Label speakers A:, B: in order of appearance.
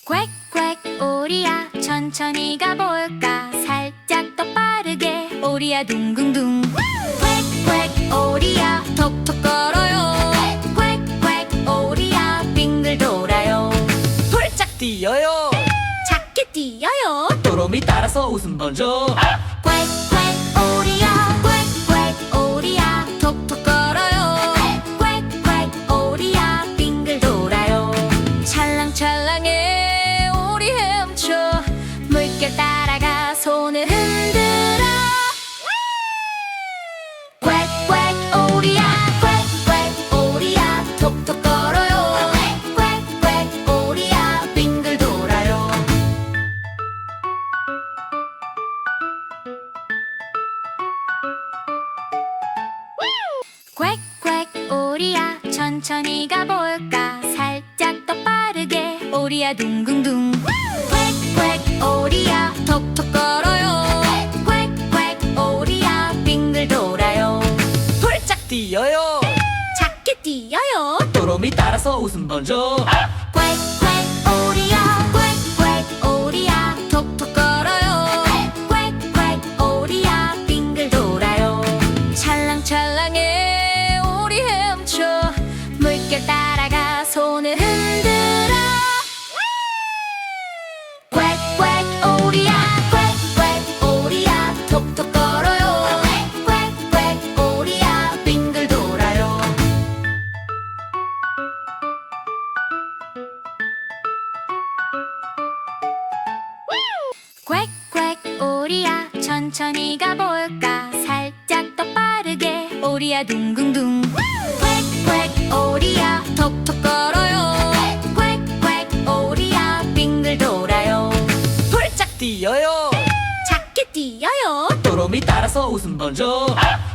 A: 꽥꽥 오리야 천천히 가볼까 살짝 더 빠르게 오리야 둥둥둥 꽥꽥 오리야 톡톡 걸어요 꽥꽥 오리야 빙글 돌아요
B: 훌짝 뛰어요
A: 작게 뛰어요
B: 또로미 따라서 웃음 번져
A: 꽥꽥 오리야 꽥꽥 오리야 톡톡 걸어요 꽥꽥 오리야 빙글 돌아요 찰랑찰랑해 오리 헤엄쳐 물결 따라가 손을 흔들어 꽥꽥 오리야 꽥꽥 오리야 톡톡 걸어요 꽥꽥 오리야 빙글 돌아요 꽥꽥 오리야 천천히 가볼까 살짝 더 빠르게 오리야 둥둥둥 꽥꽥 오리야 톡톡 걸어요 꽥꽥 오리야 빙글 돌아요
B: 훌짝 뛰어요
A: 작게 뛰어요
B: 또로미 따라서 웃음 번져
A: 꽥꽥 오리야 꽥꽥 오리야 톡톡 걸어요 꽥꽥 오리야 빙글 돌아요 찰랑찰랑해 오리 헤엄쳐 물결 따라가 손을 흔들어 꽥꽥 오리야 꽥꽥 오리야 톡톡 걸어요 꽥꽥 오리야 빙글 돌아요 꽥꽥 오리야 천천히 가볼까 살짝 더 빠르게 오리야 둥둥둥 꽥꽥 오리야 톡톡 걸어요 꽥꽥 오리야 빙글 돌아요
B: 훌짝 뛰어요
A: 작게 뛰어요
B: 또로미 따라서 웃음 번져